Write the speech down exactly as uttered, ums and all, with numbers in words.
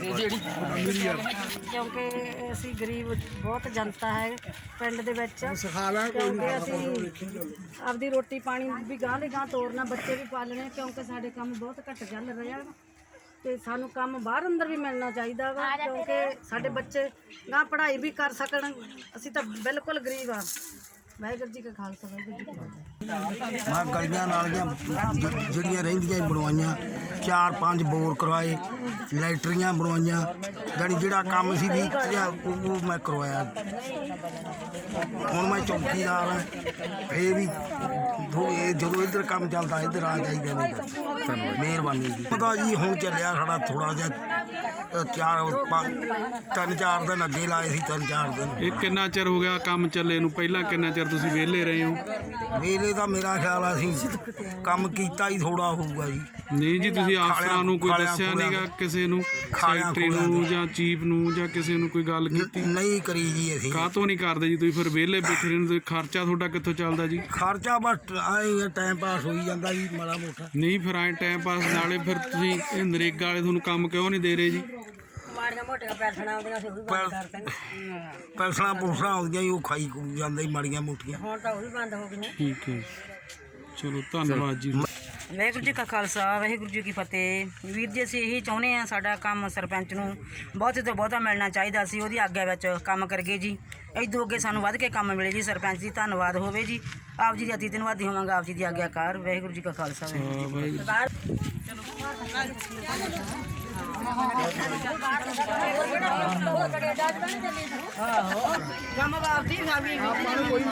क्योंकि असी गरीब बहुत जनता है पिंड दे विच, क्योंकि असी आपदी रोटी पानी भी गांह दे गांह तोरना, बच्चे भी पालने, क्योंकि साडे काम बहुत घट चल रहा ते सानू काम बाहर अंदर भी मिलना चाहिए वा, क्योंकि साडे बच्चे गांह पढ़ाई भी कर सकन। असी तो बिल्कुल गरीब हाँ। वाहिगुरू जी का खालसा वाहिगुरू जी की फतेह। मैं गलियां नालियां जड़ियां रहिंदियां बनवाइयां, चार पांच बोर करवाए, लैटरियां बनवाइयां, जानी जिहड़ा काम सी भी वो मैं करवाया। हुण मैं चौकीदार हाँ, फिर भी जो इधर काम चलता इधर आ जाइए। मेहरबानी जी। पता जी हुण चलिया साढ़ा थोड़ा जिहा चार तीन चार दिन अगे लाए सी, तीन चार दिन। ਇਹ ਕਿੰਨਾ ਚਿਰ ਹੋ ਗਿਆ ਕੰਮ ਚੱਲੇ ਨੂੰ? ਪਹਿਲਾਂ ਕਿੰਨਾ ਚਿਰ ਤੁਸੀਂ ਵਿਹਲੇ ਰਹੇ ਹੋ? ਵੇਲੇ ਦਾ ਮੇਰਾ ਖਿਆਲ ਆ ਅਸੀਂ ਕੰਮ ਕੀਤਾ ਹੀ ਥੋੜਾ ਹੋਊਗਾ ਜੀ। ਨਹੀਂ ਜੀ, ਤੁਸੀਂ ਅਫਸਰਾਂ ਨੂੰ ਕੋਈ ਦੱਸਿਆ ਨਹੀਂਗਾ, ਕਿਸੇ ਨੂੰ, ਸੈਕਟਰੀ ਨੂੰ ਜਾਂ ਚੀਫ ਨੂੰ ਜਾਂ ਕਿਸੇ ਨੂੰ ਕੋਈ ਗੱਲ ਕੀਤੀ? ਨਹੀਂ ਕਰੀ ਜੀ ਅਸੀਂ। ਕਾਹਤੋਂ ਨਹੀਂ ਕਰਦੇ ਜੀ? ਤੁਸੀਂ ਫਿਰ ਵਿਹਲੇ ਬੈਠੇ ਰਹਿੰਦੇ, ਖਰਚਾ ਤੁਹਾਡਾ ਕਿੱਥੋਂ ਚੱਲਦਾ ਜੀ? ਖਰਚਾ ਬਸ ਆਏ ਟਾਈਮ ਪਾਸ ਹੋਈ ਜਾਂਦਾ ਜੀ ਮਾੜਾ ਮੋਟਾ। ਨਹੀਂ ਫਿਰ ਐਂ ਟਾਈਮ ਪਾਸ ਨਾਲੇ ਫਿਰ ਤੁਸੀਂ ਇਹ ਨਰੇਗਾ ਵਾਲੇ ਤੁਹਾਨੂੰ ਕੰਮ ਕਿਉਂ ਨਹੀਂ ਦੇ ਰਹੇ ਜੀ? ਪੈਸਣਾ ਪੁਲਸਣਾ ਆਉਂਦੀਆਂ ਜੀ, ਉਹ ਖਾਈ ਖੂ ਜਾਂਦਾ ਮਾੜੀਆਂ ਮੋਟੀਆਂ। ਹੁਣ ਤਾਂ ਉਹ ਵੀ ਬੰਦ ਹੋ ਗਈਆਂ। ਠੀਕ ਹੈ, ਚਲੋ ਧੰਨਵਾਦ ਜੀ। ਵਾਹਿਗੁਰੂ ਜੀ ਕਾ ਖਾਲਸਾ ਵਾਹਿਗੁਰੂ ਜੀ ਕੀ ਫਤਿਹ। ਵੀਰ ਜੀ ਅਸੀਂ ਇਹੀ ਚਾਹੁੰਦੇ ਹਾਂ, ਸਾਡਾ ਕੰਮ ਸਰਪੰਚ ਨੂੰ ਬਹੁਤ ਤੋਂ ਬਹੁਤਾ ਮਿਲਣਾ ਚਾਹੀਦਾ ਸੀ, ਉਹਦੀ ਆਗਿਆ ਵਿੱਚ ਕੰਮ ਕਰਗੇ ਜੀ। ਇਦੋਂ ਅੱਗੇ ਸਾਨੂੰ ਵੱਧ ਕੇ ਕੰਮ ਮਿਲੇ ਜੀ। ਸਰਪੰਚ ਜੀ ਧੰਨਵਾਦ ਹੋਵੇ ਜੀ। ਆਪ ਜੀ ਦੀ ਅਤੀ ਧੰਨਵਾਦੀ ਹੋਵਾਂਗਾ, ਆਪ ਜੀ ਦੀ ਆਗਿਆਕਾਰ। ਵਾਹਿਗੁਰੂ ਜੀ ਕਾ ਖਾਲਸਾ ਵਾਹਿਗੁਰੂ ਜੀ ਕੀ ਫਤਿਹ। ਕੰਮ ਬਾਪ ਦੀ